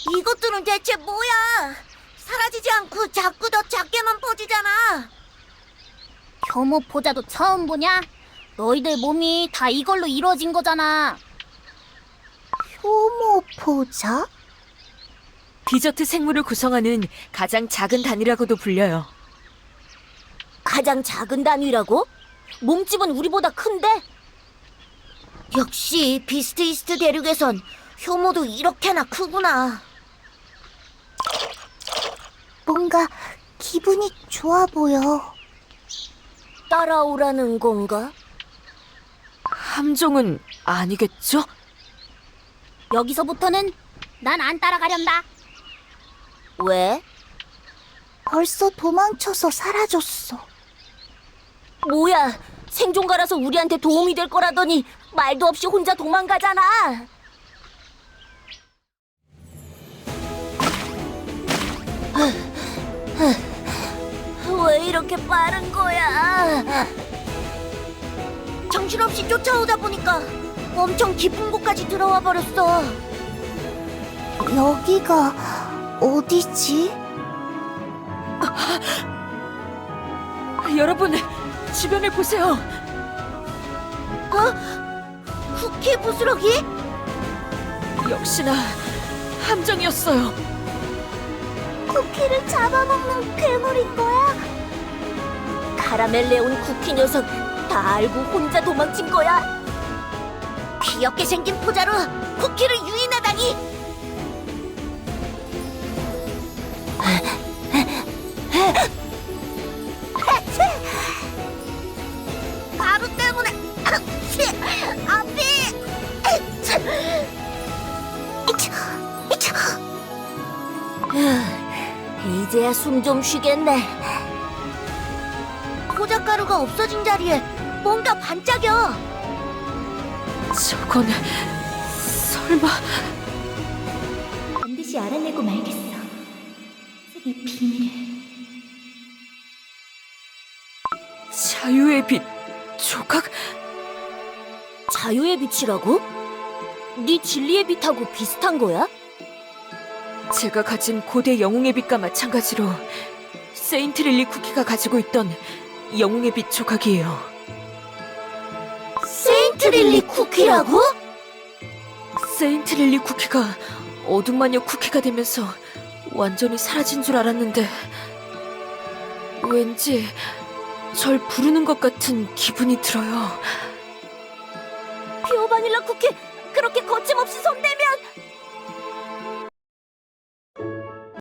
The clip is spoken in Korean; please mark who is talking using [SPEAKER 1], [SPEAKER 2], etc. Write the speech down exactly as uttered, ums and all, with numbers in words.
[SPEAKER 1] 이것들은 대체 뭐야? 사라지지 않고 자꾸 더 작게만 퍼지잖아.
[SPEAKER 2] 효모 포자도 처음 보냐? 너희들 몸이 다 이걸로 이루어진 거잖아.
[SPEAKER 1] 효모 포자?
[SPEAKER 3] 디저트 생물을 구성하는 가장 작은 단위라고도 불려요.
[SPEAKER 1] 가장 작은 단위라고? 몸집은 우리보다 큰데? 역시 비스트 이스트 대륙에선 효모도 이렇게나 크구나. 뭔가 기분이 좋아 보여. 따라오라는 건가?
[SPEAKER 3] 함정은 아니겠죠?
[SPEAKER 2] 여기서부터는 난 안 따라가련다.
[SPEAKER 1] 왜? 벌써 도망쳐서 사라졌어. 뭐야, 생존가라서 우리한테 도움이 될 거라더니 말도 없이 혼자 도망가잖아. 왜 이렇게 빠른 거야? 정신없이 쫓아오다 보니까 엄청 깊은 곳까지 들어와 버렸어. 여기가 어디지?
[SPEAKER 3] 여러분, 주변을 보세요.
[SPEAKER 1] 어? 쿠키 부스러기?
[SPEAKER 3] 역시나 함정이었어요.
[SPEAKER 1] 쿠키를 잡아먹는 괴물인 거야? 카라멜레온 쿠키 녀석 다 알고 혼자 도망친 거야? 귀엽게 생긴 포자로 쿠키를 유인하다니! 가루 때문에 앞이 이제야 숨 좀 쉬겠네. 포자가루가 없어진 자리에 뭔가 반짝여.
[SPEAKER 3] 저건 설마
[SPEAKER 2] 반드시 알아내고 말겠어. 이 비밀을.
[SPEAKER 3] 자유의 빛 조각?
[SPEAKER 1] 자유의 빛이라고? 네 진리의 빛하고 비슷한 거야?
[SPEAKER 3] 제가 가진 고대 영웅의 빛과 마찬가지로 세인트 릴리 쿠키가 가지고 있던 영웅의 빛 조각이에요.
[SPEAKER 1] 세인트 릴리 쿠키라고?
[SPEAKER 3] 세인트 릴리 쿠키가 어둠 마녀 쿠키가 되면서 완전히 사라진 줄 알았는데 왠지 절 부르는 것 같은 기분이 들어요.
[SPEAKER 1] 피오 바닐라 쿠키